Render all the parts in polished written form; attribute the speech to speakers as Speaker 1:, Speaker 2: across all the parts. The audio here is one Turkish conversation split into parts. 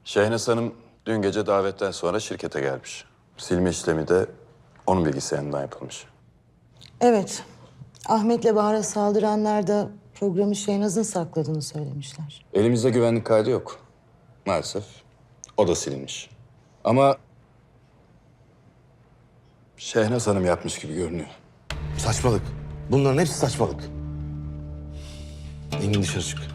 Speaker 1: Şehnaz Hanım dün gece davetten sonra şirkete gelmiş. Silme işlemi de onun bilgisayarından yapılmış.
Speaker 2: Evet. Ahmet'le Bahar'a saldıranlar da programı Şehnaz'ın sakladığını söylemişler.
Speaker 1: Elimizde güvenlik kaydı yok. Maalesef o da silinmiş. Ama Şehnaz Hanım yapmış gibi görünüyor.
Speaker 3: Saçmalık. Bunların hepsi saçmalık. Engin dışarı çık.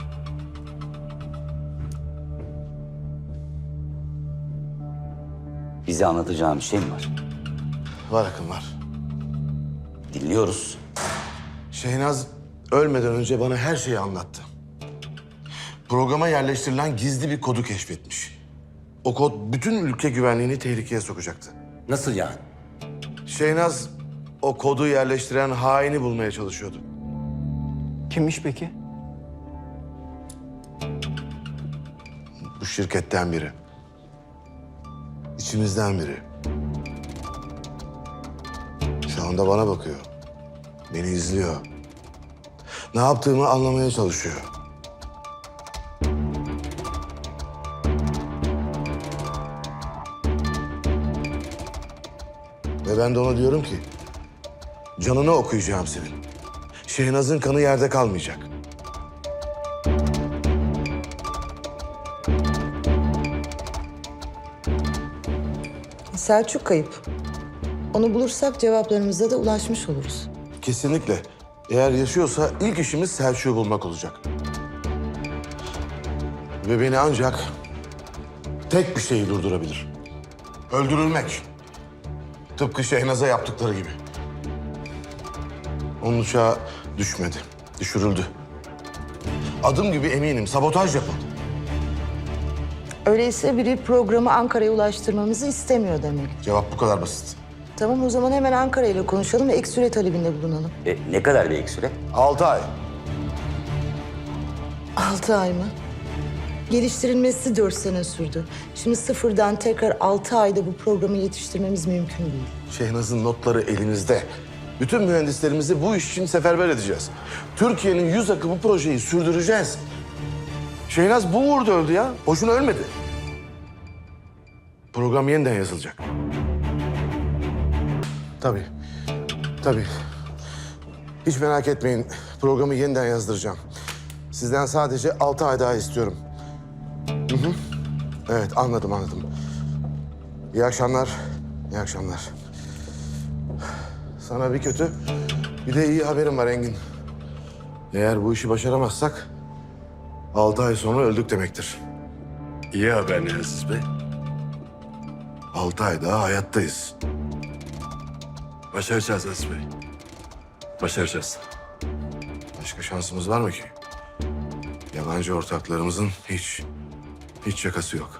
Speaker 4: Bize anlatacağın bir şey mi var?
Speaker 3: Var Akın var.
Speaker 4: Dinliyoruz.
Speaker 3: Şehnaz ölmeden önce bana her şeyi anlattı. Programa yerleştirilen gizli bir kodu keşfetmiş. O kod bütün ülke güvenliğini tehlikeye sokacaktı.
Speaker 4: Nasıl yani?
Speaker 3: Şehnaz o kodu yerleştiren haini bulmaya çalışıyordu.
Speaker 5: Kimmiş peki?
Speaker 3: Bu şirketten biri. İçimizden biri. Şu anda bana bakıyor. Beni izliyor. Ne yaptığımı anlamaya çalışıyor. Ve ben de ona diyorum ki... canını okuyacağım senin. Şehnaz'ın kanı yerde kalmayacak.
Speaker 2: Selçuk kayıp. Onu bulursak cevaplarımıza da ulaşmış oluruz.
Speaker 3: Kesinlikle. Eğer yaşıyorsa ilk işimiz Selçuk'u bulmak olacak. Ve beni ancak tek bir şey durdurabilir. Öldürülmek. Tıpkı Şehnaz'a yaptıkları gibi. Onun uçağı düşmedi, düşürüldü. Adım gibi eminim sabotaj yapıldı.
Speaker 2: Öyleyse biri programı Ankara'ya ulaştırmamızı istemiyor demek.
Speaker 3: Cevap bu kadar basit.
Speaker 2: Tamam, o zaman hemen Ankara ile konuşalım ve ek süre talebinde bulunalım.
Speaker 4: Ne kadar bir ek süre?
Speaker 3: 6 ay.
Speaker 2: 6 ay mı? Geliştirilmesi 4 sene sürdü. Şimdi sıfırdan tekrar 6 ayda bu programı yetiştirmemiz mümkün değil.
Speaker 3: Şehnaz'ın notları elimizde. Bütün mühendislerimizi bu iş için seferber edeceğiz. Türkiye'nin yüz akı bu projeyi sürdüreceğiz. Şehnaz bu uğurda öldü ya. Boşuna ölmedi. Program yeniden yazılacak. Tabii. Tabii. Hiç merak etmeyin. Programı yeniden yazdıracağım. Sizden sadece 6 ay daha istiyorum. Hı hı. Evet, anladım. İyi akşamlar. İyi akşamlar. Sana bir kötü, bir de iyi haberim var Engin. Eğer bu işi başaramazsak 6 ay sonra öldük demektir.
Speaker 6: İyi haber ne Aziz Bey?
Speaker 3: 6 ay daha hayattayız.
Speaker 6: Başaracağız Aziz Bey. Başaracağız.
Speaker 3: Başka şansımız var mı ki? Yabancı ortaklarımızın hiç şakası yok.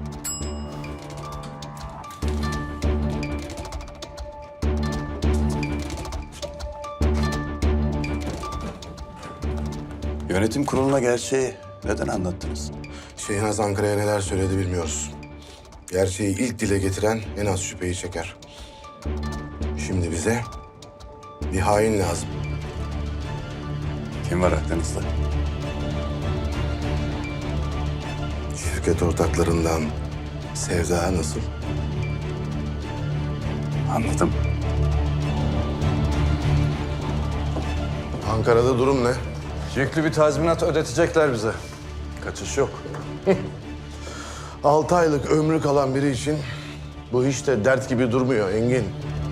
Speaker 1: Yönetim kuruluna gerçeği neden anlattınız?
Speaker 3: Şehnaz Ankara'ya neler söyledi bilmiyoruz. Gerçeği ilk dile getiren en az şüpheyi çeker. Şimdi bize bir hain lazım.
Speaker 1: Kim var aklınızda?
Speaker 3: Şirket ortaklarından Sevda nasıl?
Speaker 1: Anladım.
Speaker 3: Ankara'da durum ne?
Speaker 1: Yüklü bir tazminat ödetecekler bize. Kaçış yok.
Speaker 3: 6 aylık ömrü kalan biri için bu hiç de dert gibi durmuyor Engin.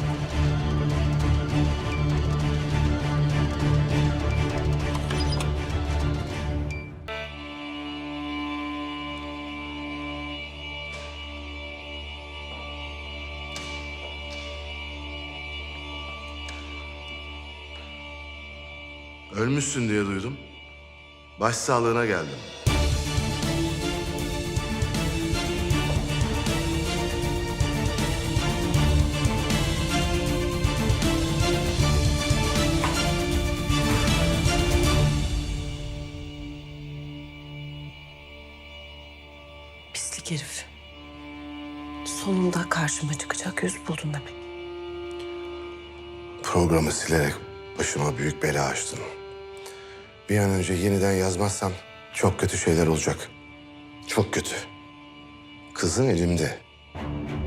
Speaker 3: Ölmüşsün diye duydum. Başsağlığına geldim.
Speaker 7: Pislik herif. Sonunda karşıma çıkacak yüz buldun demek.
Speaker 3: Programı silerek başıma büyük bela açtın. Bir an önce yeniden yazmazsam çok kötü şeyler olacak. Çok kötü. Kızın elimde.